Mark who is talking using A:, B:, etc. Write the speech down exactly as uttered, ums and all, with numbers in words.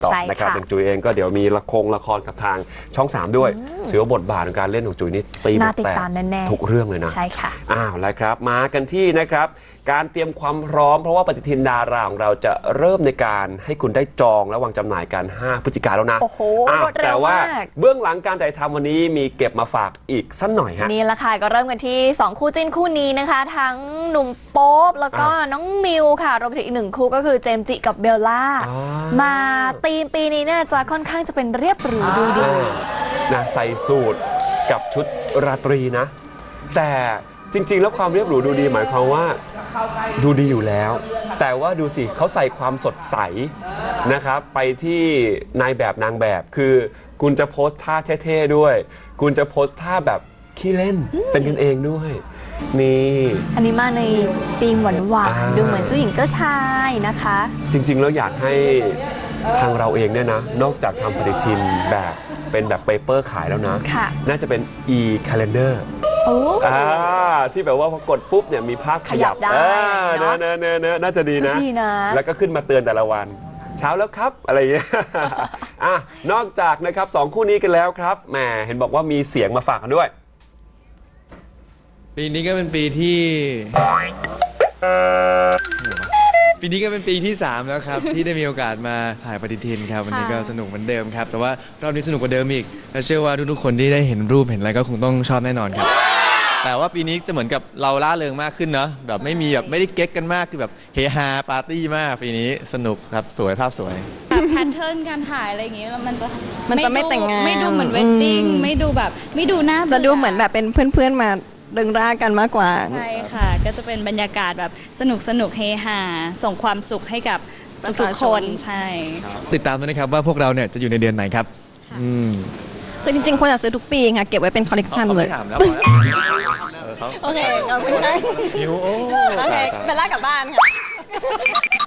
A: ต่อนะครับอย่างจุ๋ยเองก็เดี๋ยวมีละครละครกับทางช่องสามด้วยถือว่าบทบาทในการเล่นของจุ๋ยนี่ตีบทแตกทุกเรื่องเลยนะ
B: ใช่ค่ะ
A: อ้าวแล้วครับมากันที่นะครับการเตรียมความพร้อมเพราะว่าปฏิทินดาราของเราจะเริ่มในการให้คุณได้จองและวางจำหน่ายกันห้าพฤศจิกายนแล้วนะ
B: โอ้โห
A: แต่ว่าเบื้องหลังการถ่ายทำวันนี้มีเก็บมาฝากอีกสักหน่อยฮะ
B: นี่แหละค่ะก็เริ่มกันที่สองคู่จิ้นคู่นี้นะคะทั้งหนุ่มโป๊ปแล้วก็น้องมิวค่ะรวมถึงอีกหนึ่งคู่ก็คือเจมส์จิกับเบลล่ามาธีมปีนี้เนี่ยจะค่อนข้างจะเป็นเรียบหรูดูดี
A: นะใส่สูทกับชุดราตรีนะแต่จริงๆแล้วความเรียบหรูดูดีหมายความว่าดูดีอยู่แล้วแต่ว่าดูสิเขาใส่ความสดใสนะครับไปที่นายแบบนางแบบคือคุณจะโพสท่าเท่ๆด้วยคุณจะโพสท่าแบบขี้เล่นเป็นกันเองด้วยนี่
B: อันนี้มาในธีมหวานๆดูเหมือนเจ้าหญิงเจ้าชายนะคะ
A: จริงๆแล้วอยากให้ทางเราเองเนี่ยนะนอกจากทำปฏิทินแบบเป็นแบบเปเปอร์ขายแล้วนะน่าจะเป็น e-calendarอ่าที่แบบว่าพอกดปุ๊บเนี่ยมีภาพขยับ
B: ได้
A: เนอะเนอะเนอะเนอะน่าจะดีนะแล้วก็ขึ้นมาเตือนแต่ละวันเช้าแล้วครับอะไรอย่างเงี้ยอ่ะนอกจากนะครับสองคู่นี้กันแล้วครับแหมเห็นบอกว่ามีเสียงมาฝากกันด้วย
C: ปีนี้ก็เป็นปีที่ปีนี้ก็เป็นปีที่สามแล้วครับที่ได้มีโอกาสมาถ่ายปฏิทินครับวันนี้ก็สนุกเหมือนเดิมครับแต่ว่ารอบนี้สนุกกว่าเดิมอีกและเชื่อว่าทุกๆคนที่ได้เห็นรูปเห็นอะไรก็คงต้องชอบแน่นอนครับแต่ว่าปีนี้จะเหมือนกับเราล่าเริงมากขึ้นเนาะแบบไม่มีแบบไม่ได้เก๊กกันมากคือแบบเฮฮาปาร์ตี้มากปีนี้สนุกครับสวยภาพสวย
D: แบบแพทเทิร์นการถ่ายอะไรอย่างเงี้ยมันจะ
E: มันจะไม่แต่งงาน
D: ไม่ดูเหมือนเวดดิ้งไม่ดูแบบไม่ดูน่า
E: จะดูเหมือนแบบเป็นเพื่อนๆมาเริงร่ากันมากกว่า
D: ใช่ค่ะก็จะเป็นบรรยากาศแบบสนุกสนุกเฮฮาส่งความสุขให้กับทุกคนใช่
C: ติดตามด้วยนะครับว่าพวกเราเนี่ยจะอยู่ในเดือนไหนครับ
E: คือจริงๆควรจะซื้อทุกปีค่ะเก็บไว้เป็นคอลเลกชันเลยโอเคขอบคุณค่ะโอเคเบลล่ากลับบ้านค่ะ